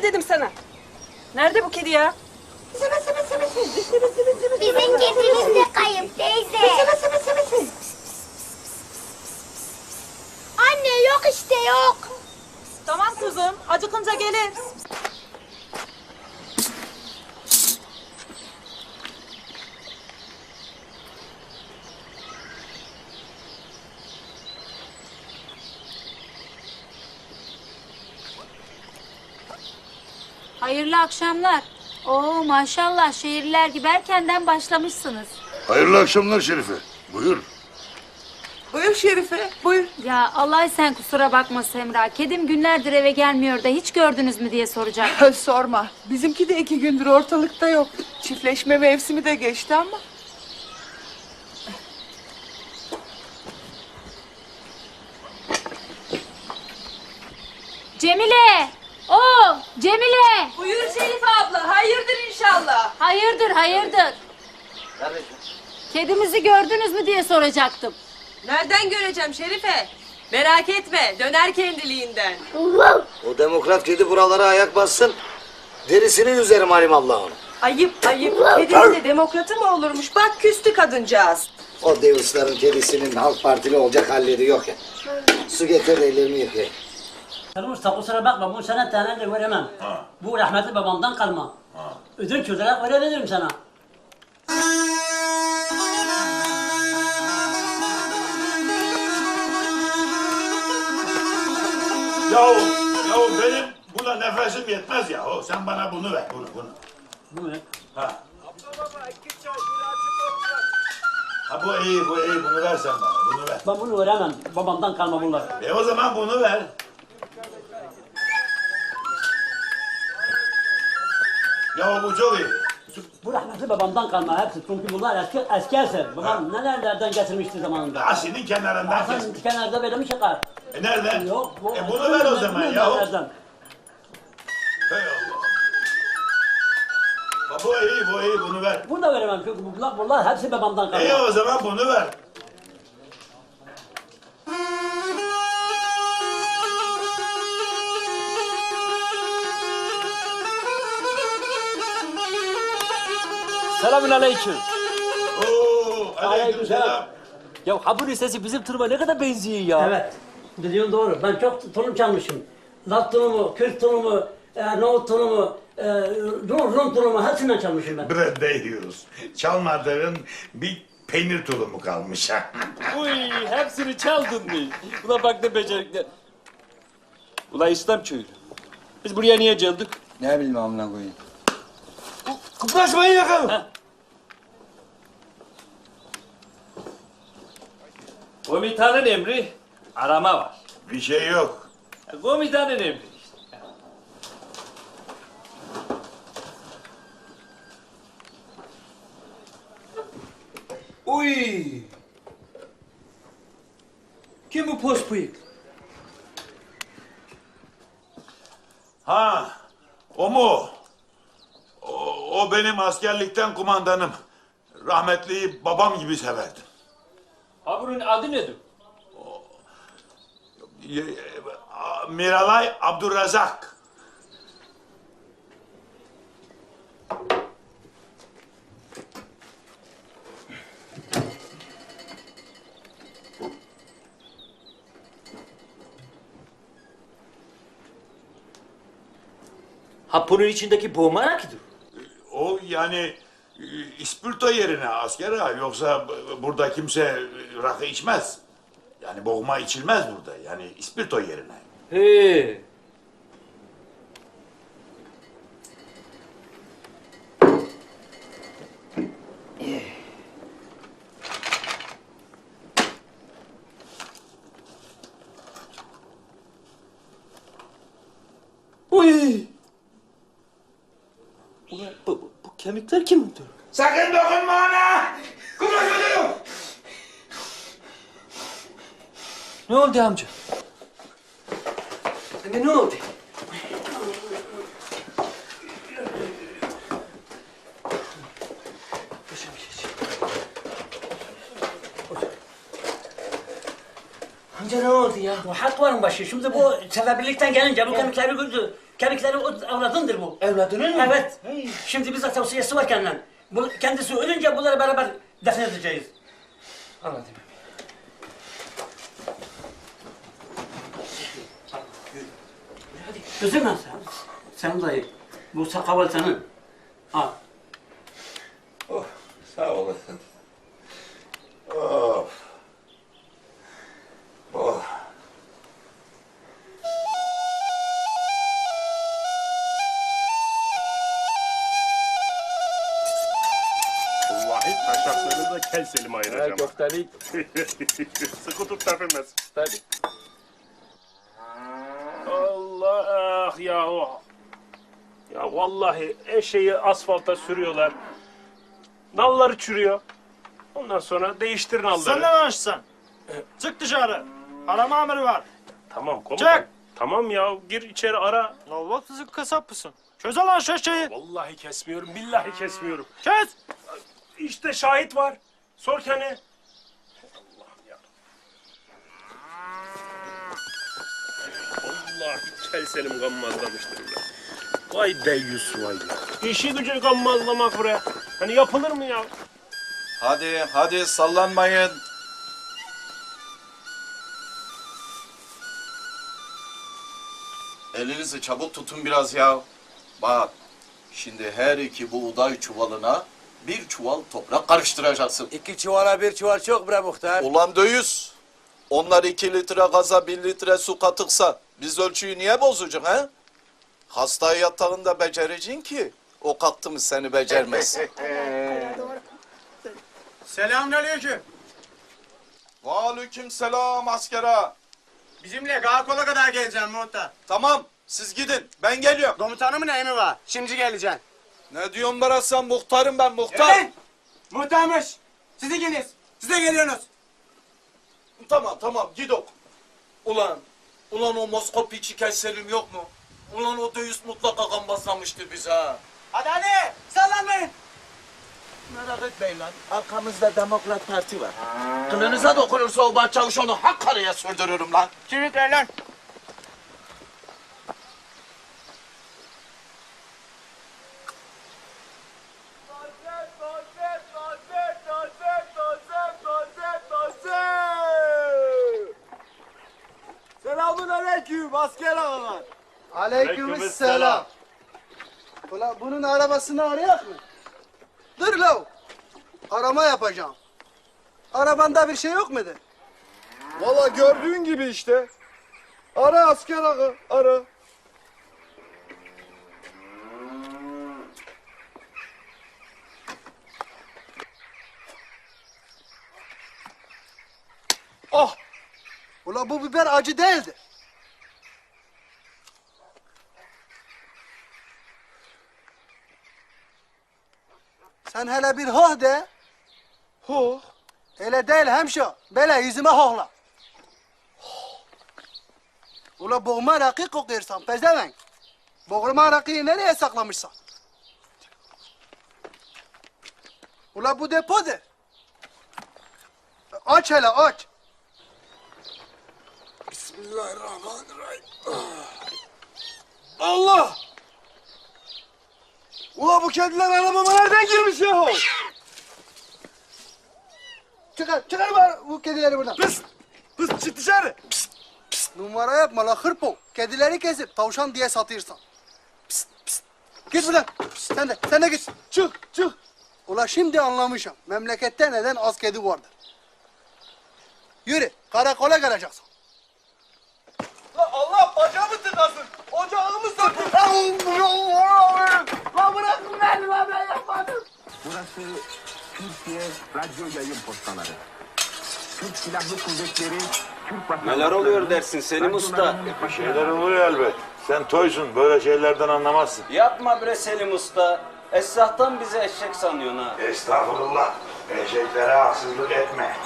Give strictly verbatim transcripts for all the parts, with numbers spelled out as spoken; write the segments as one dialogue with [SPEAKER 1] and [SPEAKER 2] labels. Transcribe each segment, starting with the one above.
[SPEAKER 1] dedim sana. Nerede bu kedi ya?
[SPEAKER 2] Bizim kedimiz de kayıp teyze. Anne yok işte yok.
[SPEAKER 1] Tamam kuzum, acıkınca gelir.
[SPEAKER 3] Hayırlı akşamlar. Oo maşallah şehirliler gibi erkenden başlamışsınız.
[SPEAKER 4] Hayırlı akşamlar Şerife. Buyur.
[SPEAKER 1] Buyur Şerife, buyur.
[SPEAKER 3] Ya Allah sen kusura bakma Semra. Kedim günlerdir eve gelmiyor da hiç gördünüz mü diye soracak.
[SPEAKER 5] Sorma. Bizimki de iki gündür ortalıkta yok. Çiftleşme mevsimi de geçti ama.
[SPEAKER 3] Cemile! Oo Cemile!
[SPEAKER 1] Buyur Şerife abla, hayırdır inşallah.
[SPEAKER 3] Hayırdır hayırdır. Kedimizi gördünüz mü diye soracaktım.
[SPEAKER 1] Nereden göreceğim Şerife? Merak etme, döner kendiliğinden.
[SPEAKER 6] O demokrat kedi buralara ayak bassın. Derisini üzerim halimallah onu.
[SPEAKER 1] Ayıp ayıp, kedinin de demokratı mı olurmuş? Bak küstü kadıncağız.
[SPEAKER 6] O Davis'ların kedisinin Halk Partili olacak halleri yok ya. Su getir de ellerimi yıkayayım.
[SPEAKER 7] Canım usta kusura bakma bu sana tane de veremem.
[SPEAKER 4] Ha.
[SPEAKER 7] Bu rahmetli babamdan kalma.
[SPEAKER 4] Ha.
[SPEAKER 7] Ödünç olarak verebilirim sana.
[SPEAKER 4] Yahu, yahu benim buna nefesim yetmez yahu. Sen bana bunu ver, bunu, bunu.
[SPEAKER 7] Bu ne?
[SPEAKER 4] Ha. Ha bu iyi, bu iyi. Bunu ver sen bana, bunu ver.
[SPEAKER 7] Ben bunu veremem. Babamdan kalma bunlar.
[SPEAKER 4] E o zaman bunu ver. Yahu bu çok iyi.
[SPEAKER 7] Bu rahmetli babamdan kalma hepsi. Çünkü bunlar eski eski eser. Babam nelerlerden getirmişti zamanında.
[SPEAKER 4] Asinin kenarından kes.
[SPEAKER 7] Bazen kenarda böyle mi çıkar?
[SPEAKER 4] E nerede?
[SPEAKER 7] Yok. Bu,
[SPEAKER 4] E bunu ver o zaman yahu.
[SPEAKER 7] Nelerden?
[SPEAKER 4] Hey Allah. Ha bu iyi, bu iyi. Bunu ver.
[SPEAKER 7] Bunu da veremem çünkü bunlar, bunlar hepsi babamdan kalma.
[SPEAKER 4] İyi o zaman bunu ver.
[SPEAKER 8] Selamün aleyküm.
[SPEAKER 4] Oo, aleykümselam.
[SPEAKER 8] Ya ha bunun sesi bizim turuma ne kadar benziyor ya.
[SPEAKER 7] Evet. Biliyorsun doğru. Ben çok tulum çalmışım. Laz tulumu, Kürt tulumu, e, nohut tulumu, e, Rum, Rum tulumu hepsinden çalmışım ben.
[SPEAKER 4] Bre yiyoruz. Çalmadığın bir peynir tulumu kalmış ha.
[SPEAKER 8] Uy hepsini çaldın mı? Ulan bak ne becerikler. Ulan İslam köylü. Biz buraya niye geldik?
[SPEAKER 9] Ne bileyim amına koyayım.
[SPEAKER 8] Kıpraşmayın yakalım. Komutanın emri arama var.
[SPEAKER 4] Bir şey yok.
[SPEAKER 8] Komutanın emri işte. Uy. Kim bu pos bıyık?
[SPEAKER 4] Ha, o mu? O, o benim askerlikten kumandanım. Rahmetliyi babam gibi severdim.
[SPEAKER 8] Ha bunun adı nedir?
[SPEAKER 4] Y- a- Miralay Abdurrazak.
[SPEAKER 8] Ha bunun içindeki boğma rakidir.
[SPEAKER 4] O yani e, ispirto yerine asker ha. Yoksa b- burada kimse e, rakı içmez. Yani boğma içilmez burada. Yani ispirto yerine.
[SPEAKER 8] He. Uy. Ulan bu, bu, bu kemikler kimindir?
[SPEAKER 4] Sakın dokunma ona! Kumla çocuğum!
[SPEAKER 8] Ne oldu amca?
[SPEAKER 9] Ne, ne oldu?
[SPEAKER 7] Amca ne oldu ya? Bu hak varın başı. Şimdi bu sebebilikten gelince bu kemikleri güldü. Kemikleri o avradındır bu.
[SPEAKER 6] Evladının mı?
[SPEAKER 7] Evet. Şimdi bizzat tavsiyesi var kendinden. Bu, kendisi ölünce bunları beraber defnedeceğiz. Anladım. Hadi üzülme sen. Sen dayı. Bu sakal senin. Al.
[SPEAKER 4] Oh, sağ olasın. Of. Oh.
[SPEAKER 9] Vallahi taşaklarını da kel selim ayıracağım.
[SPEAKER 8] Ha, köfteli.
[SPEAKER 9] Sıkı tut tepemez.
[SPEAKER 8] Tabii.
[SPEAKER 9] Allah ya o. Ya vallahi eşeği asfalta sürüyorlar. Nalları çürüyor. Ondan sonra değiştir nalları.
[SPEAKER 10] Sen ne açsan? Çık dışarı. Arama emri var.
[SPEAKER 9] Tamam komutan.
[SPEAKER 10] Çık.
[SPEAKER 9] Tamam ya gir içeri ara.
[SPEAKER 10] La bak sizi kasap mısın? Çöz lan şu şeyi.
[SPEAKER 9] Vallahi kesmiyorum, billahi kesmiyorum.
[SPEAKER 10] Kes.
[SPEAKER 9] İşte şahit var. Sor kendine. Allah'ım ya. Vallahi kel selim gammazlamıştır ya. Vay deyyus vay. İşi gücü gammazlamak bre. Hani yapılır mı ya?
[SPEAKER 11] Hadi hadi sallanmayın. Elinizi çabuk tutun biraz ya. Bak şimdi her iki buğday çuvalına bir çuval toprak karıştıracaksın.
[SPEAKER 6] İki çuvala bir çuval çok bre muhtar.
[SPEAKER 11] Ulan döyüz. Onlar iki litre gaza bir litre su katıksa biz ölçüyü niye bozucuk he? Hasta yatağında becereceksin ki o kalktı mı seni becermez.
[SPEAKER 10] Selamünaleyküm.
[SPEAKER 11] Aleyküm selam askera.
[SPEAKER 10] Bizimle karakola kadar geleceğim muhtar.
[SPEAKER 11] Tamam siz gidin ben geliyorum.
[SPEAKER 10] Komutanımın emri var. Şimdi geleceksin.
[SPEAKER 11] Ne diyorsun bana sen muhtarım ben muhtar.
[SPEAKER 10] Evet. Muhtarmış. Siz ikiniz. Size geliyorsunuz.
[SPEAKER 11] Tamam tamam gidok. Ulan, ulan o Moskov piçi Selim yok mu? Ulan o döyüz mutlaka gambazlamıştır bize ha.
[SPEAKER 10] Hadi hadi. Sallanmayın.
[SPEAKER 11] Merak etmeyin lan. Arkamızda Demokrat Parti var. Kılınıza dokunursa o başçavuş onu hak karaya sürdürürüm lan.
[SPEAKER 10] Şimdi lan.
[SPEAKER 6] Selamun aleyküm asker ağalar.
[SPEAKER 9] Aleykümselam.
[SPEAKER 6] Ulan bunun arabasını arayak mı? Dur lav. Arama yapacağım. Arabanda bir şey yok mudur?
[SPEAKER 10] Valla gördüğün gibi işte. Ara asker ağa, ara.
[SPEAKER 6] Oh! Ulan bu biber acı değildi. Sen hele bir hoh de.
[SPEAKER 10] Ho.
[SPEAKER 6] Öyle değil hemşo. Böyle yüzüme hohla. Ula boğma rakı kokuyorsan pezevenk. Boğulma rakıyı nereye saklamışsan? Ula bu depodur. Aç hele aç. Bismillahirrahmanirrahim.
[SPEAKER 10] Allah! Ula bu kediler arabama nereden girmiş yahu?
[SPEAKER 6] Çıkar, çıkar bari bu kedileri buradan.
[SPEAKER 10] Pıs! Pıs çık dışarı!
[SPEAKER 6] Numara yapma la hırpo. Kedileri kesip tavşan diye satıyorsan. Pist, pist. Git buradan. Pist, sen de, sen de git.
[SPEAKER 10] Çık, çık!
[SPEAKER 6] Ula şimdi anlamışım. Memlekette neden az kedi vardır. Yürü, karakola geleceksin.
[SPEAKER 10] La Allah bacağımı tıkasın! Ocağımı sakın! La bırakın beni la ben yapmadım!
[SPEAKER 12] Burası Türkiye Radyo Yayın Postaları. Türk Silahlı Kuvvetleri, Türk Vatandaşları...
[SPEAKER 8] Neler oluyor dersin Selim Usta?
[SPEAKER 4] Bir şeyler oluyor elbet. Sen toysun, böyle şeylerden anlamazsın.
[SPEAKER 8] Yapma bre Selim Usta. Esnaftan bizi eşek sanıyorsun ha.
[SPEAKER 4] Estağfurullah. Eşeklere haksızlık etme.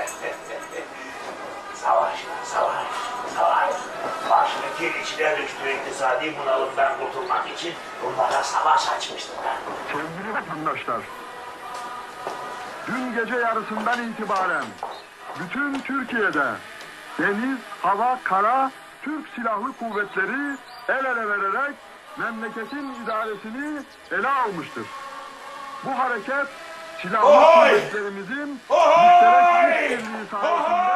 [SPEAKER 4] Savaş, savaş, savaş. Baştaki içine düştüğü iktisadi bunalımdan kurtulmak için bunlara savaş açmıştım ben.
[SPEAKER 12] Sevgili vatandaşlar, dün gece yarısından itibaren bütün Türkiye'de deniz, hava, kara Türk Silahlı Kuvvetleri el ele vererek memleketin idaresini ele almıştır. Bu hareket silahlı
[SPEAKER 4] Ohoy!
[SPEAKER 12] kuvvetlerimizin
[SPEAKER 4] Ohoy!
[SPEAKER 12] müşterek işbirliği sayesinde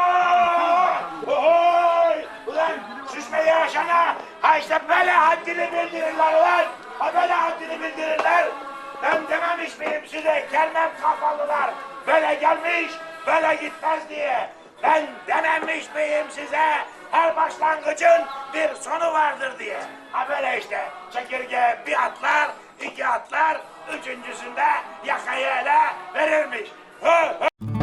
[SPEAKER 4] Ohoy! Ulan süsme yaşana ha işte böyle haddini bildirirler ulan. Ha böyle haddini bildirirler. Ben dememiş miyim size kermem kafalılar. Böyle gelmiş böyle gitmez diye. Ben dememiş miyim size her başlangıcın bir sonu vardır diye. Ha böyle işte çekirge bir atlar, iki atlar, üçüncüsünde yakayı ele verirmiş. Hı, hı.